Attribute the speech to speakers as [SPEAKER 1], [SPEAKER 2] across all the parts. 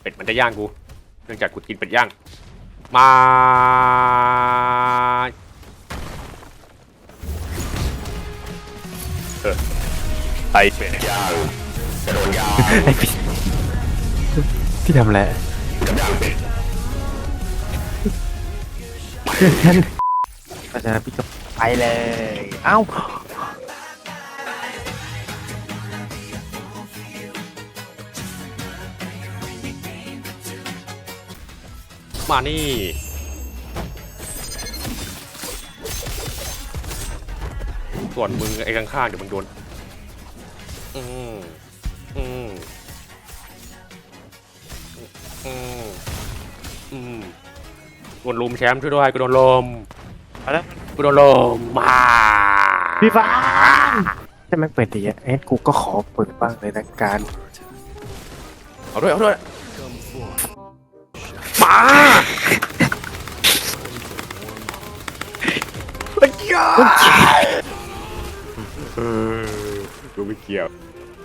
[SPEAKER 1] เป็ดมันจะย่างกูเนื่องจากกูกินเป็ดย่างมา
[SPEAKER 2] ไอเป็ดย่างกระโดดย่าง
[SPEAKER 3] พี่ทำอะไร
[SPEAKER 2] กระย่างเป็ด
[SPEAKER 3] เพราะฉะนั้นพี่ก็ไปเลย เอ้า
[SPEAKER 1] มานี่ส่วนมึงไอ้ข้างๆเดี๋ยวมึงโดนอืมอืมอืมอืมโดนลุมแชมป์ช่วยด้วยกูโดนลม
[SPEAKER 3] เอาแล้ว
[SPEAKER 1] กูโดนลมมา
[SPEAKER 3] พี่ฟ้าถ้าแม่งเปิดดีอะเอ็นกูก็ขอเปิดบ้างเลยนะการ
[SPEAKER 1] เอาด้วยเอาด้วยมาไม่เกี่ยวกูไม่เกี่ยว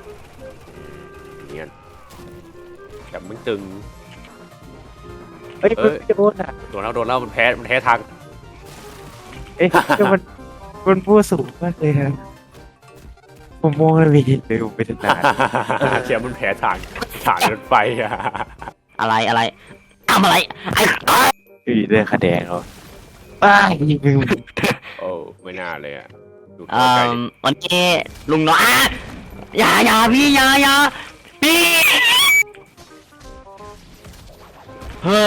[SPEAKER 1] เนี่ยแต่มึงตึง
[SPEAKER 3] เฮ้ยมันจะโดนอ่ะ
[SPEAKER 1] โดนแล้วมันแพ้ทาง
[SPEAKER 3] เอ๊ะก็มันพูดสูงมากเลยนะผมมองแล้วมีเลยผมไปถึงนาน
[SPEAKER 1] เชียร์มันแพ้ทางรถไฟอะ
[SPEAKER 4] อะไรทำอะไรไอ้
[SPEAKER 3] พี่เรื่องคะแนนเขาอ้ายยิงมึง
[SPEAKER 1] โอ้ไม่น่าเลยอะดู
[SPEAKER 4] เอ่อวันนี้ลุงน้อยอย่าพี่อย่าพี่เฮ้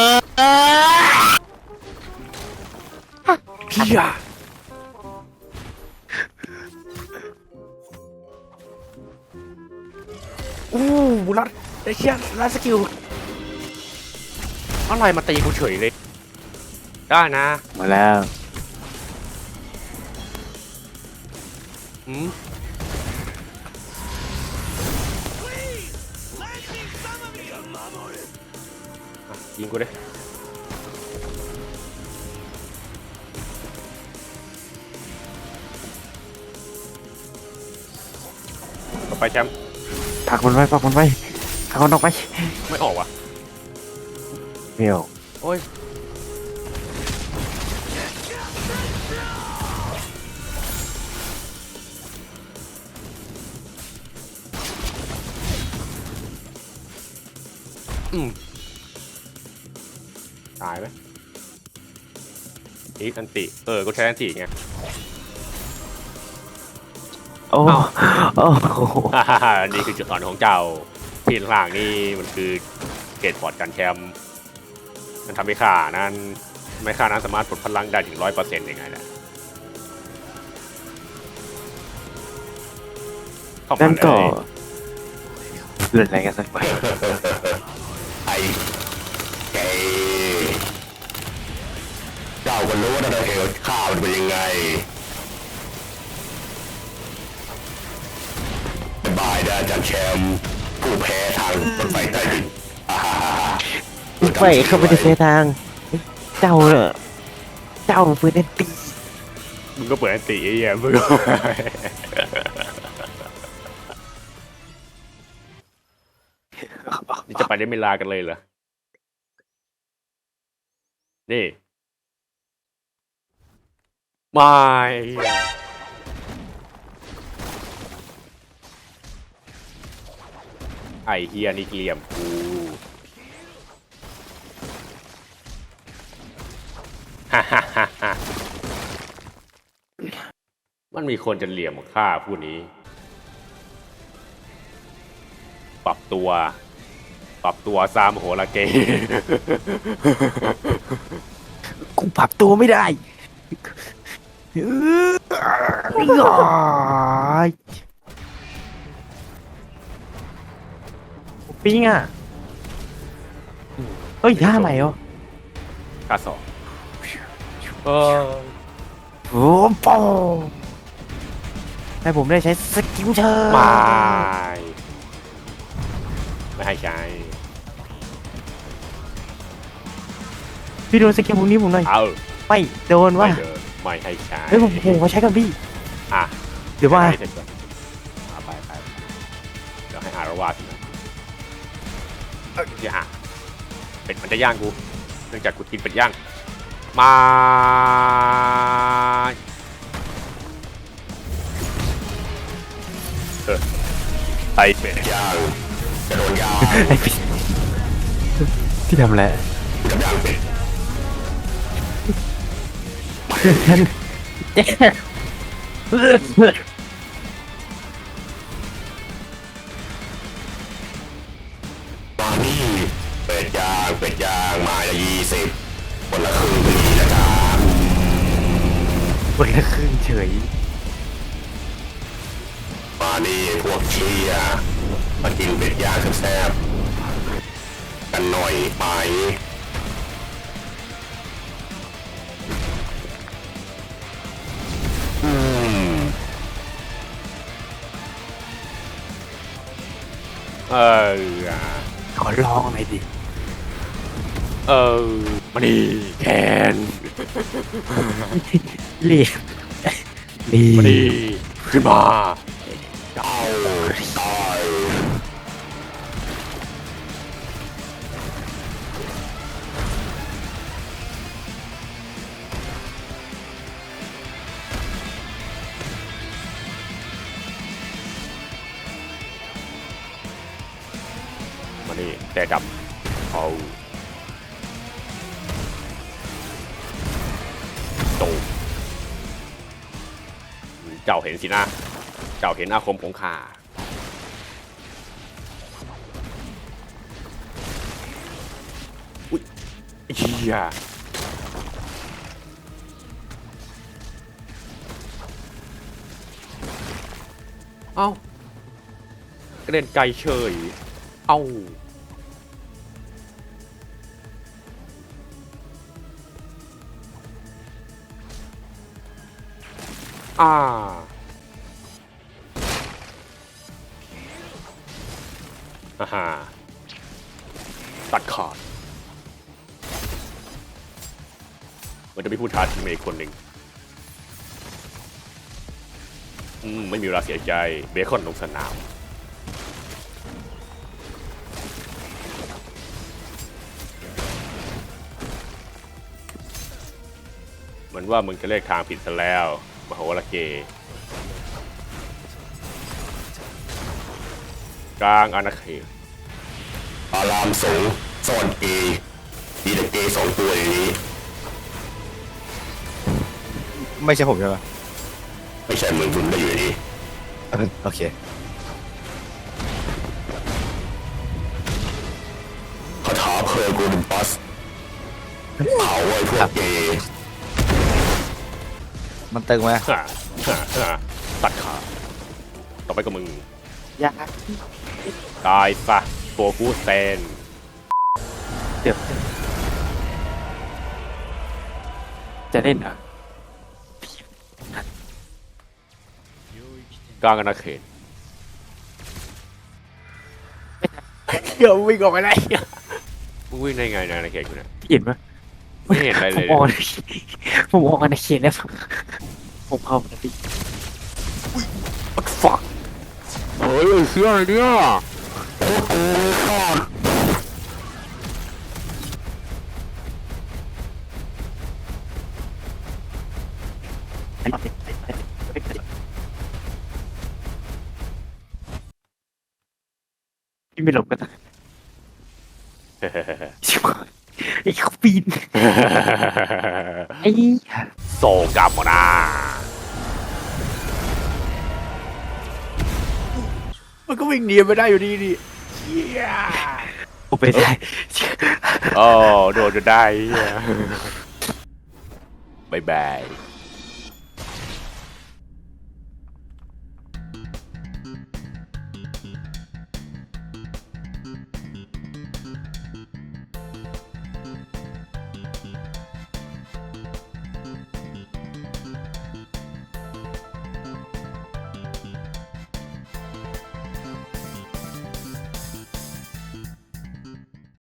[SPEAKER 4] อ
[SPEAKER 1] พี่อะอู้รัดไอ้เชี่ยรัดสกิลอะไรมาตีกูเฉยเลยได้นะ
[SPEAKER 3] มาแล้ว
[SPEAKER 1] อืมอ่ะยิงกูดิต่อไปแชมป์
[SPEAKER 3] ผลักมันไว้ผลักมันออกไป
[SPEAKER 1] ไม่ออกว่ะ
[SPEAKER 3] เดี๋ยว
[SPEAKER 1] โอ้ยตายไหมอีกอันติกูใช้อันติไง
[SPEAKER 3] โอ้
[SPEAKER 1] เอ้า
[SPEAKER 3] โอ้โห
[SPEAKER 1] นี่คือจุดอ่อนของเจ้าที่ข้างล่างนี่มันคือเกตบอร์ดกันแชมป์มันทำให้ข้านั้นไม่ข้านั้นสามารถปลดพลังได้ถึง 100%ยังไงนะเข้ามา
[SPEAKER 3] นั่นก็
[SPEAKER 1] เลย
[SPEAKER 3] เล่นอะไรกันสักหน่อย
[SPEAKER 2] ไอแกเจ้าก็รู้นะเหตุข้ามันเป็นยังไงบายนะอาจารย์แชมป์ผู้แพ้ทางรถไฟใต้ดินอ่าฮ่าฮ่าฮ่า
[SPEAKER 3] ไปเข้าไปในเฟทาง เจ้าเนอะเจ้าเพื่อนตี
[SPEAKER 1] มึงก็เปิดอันติไอ้เหี้ยมึงก็ นี่จะไปได้ไม่ลากันเลยเหรอ นี่ไม่ไอเฮียนี่เหลี่ยมกูฮ่าฮ่าฮ่าฮ่ามันมีคนจะเหลี่ยมฆ่าผู้นี้ ปรับตัวซามโหระเก
[SPEAKER 3] กูปรับตัวไม่ได้ปิ้งอ่ะเฮ้ยท่าใหม่เหรอ
[SPEAKER 1] ค่าสองเออ
[SPEAKER 3] โอ้โหให้ผมได้ใช้สกิลเชิญ
[SPEAKER 1] ไม่ให้ใช้
[SPEAKER 3] พี่โดนสกิลพวกนี้ผมหน่อย
[SPEAKER 1] เอา
[SPEAKER 3] ไม่โดน
[SPEAKER 1] ไม่
[SPEAKER 3] ว่า
[SPEAKER 1] เดินไม่ให้ใช้
[SPEAKER 3] เฮ้ยผมมาใช้กับพี่
[SPEAKER 1] อ่ะ
[SPEAKER 3] เดี๋ยวว่า
[SPEAKER 1] ให้เสร็จก่อนไปเดี๋ยวให้อารวาสนะอย่าเป็ดมันจะย่างกูเนื่องจากกูกินเป็ดย่างมา ไอเป็ด
[SPEAKER 2] ย่างจะโดนย่าง
[SPEAKER 3] ไอ้พี่ที่ทำอะไร
[SPEAKER 2] จะย่างเป็ด
[SPEAKER 3] ฉัน
[SPEAKER 2] มานี่เป็ดย่างมาละ20คนละครึ่งดีนะจ๊ะ
[SPEAKER 3] คนละครึ่งเฉย
[SPEAKER 2] มานี่พวกเชียร์มากินเป็ดย่างแซ่บๆกันหน่อยไหมอืม
[SPEAKER 1] เออ
[SPEAKER 3] ขอลองหน่อยดิ
[SPEAKER 1] มานี่แคน
[SPEAKER 3] รีบรี
[SPEAKER 1] มานี่ขึ้นมา
[SPEAKER 2] เต้าตาย
[SPEAKER 1] มานี่แต่ดำเอาตูเจ้าเห็นสินะ เจ้าเห็นอาคมของข้าอุ้ยเฮียเอ้ากระเด็นไกลเฉย เอ้าฮ่าตัดขาดมันจะมีผู้ท้าทีมอีกคนหนึ่งไม่มีเวลาเสียใจเบคอนลงสนามเหมือนว่ามึงจะเลือกทางผิดซะแล้วมโหระเกกลางอาณาเขต
[SPEAKER 2] อารามสูงซ่อนเกย์มีแต่เกย์2 ตัวอย่างนี้
[SPEAKER 5] ไม่ใช่ผมใช่ไหม
[SPEAKER 2] ไม่ใช่มึงคุณได้อยู่ดี
[SPEAKER 5] โอเค
[SPEAKER 2] คาถาเพลิงกูเป็นบัสเผาไอ้พวกเกย์
[SPEAKER 5] มันตึงไหม
[SPEAKER 1] ตัดขาต่อไปก็มึง
[SPEAKER 3] อยาก
[SPEAKER 1] ตายซะโฟกูสเตน
[SPEAKER 3] เดี๋ยวจะเล่นเหรอ่ะ
[SPEAKER 1] กลางอาณาเขตเดี๋ยววิ่งออกไปได้มึงวิ่งได้ไงในอาณาเขตกูเนี่ย
[SPEAKER 3] เห็นปะ
[SPEAKER 1] ไม่เห็นอะไรเลย
[SPEAKER 3] ผมออกในเขตแล้วผมเข้าไปดิ
[SPEAKER 1] What the fuck เฮ้ยเชื่ออะไรเนี่ย
[SPEAKER 2] พวกกูทอด
[SPEAKER 3] พี่ไม่หลบกันนะชิบหายไอ้เขาปีนไอ้
[SPEAKER 1] โซกามอนามันก็วิ่งหนีไม่ได้อยู่ดีดิเชี่ย
[SPEAKER 3] ผมไปได้
[SPEAKER 1] โอ้โดนจนได้เหี้ยบายบาย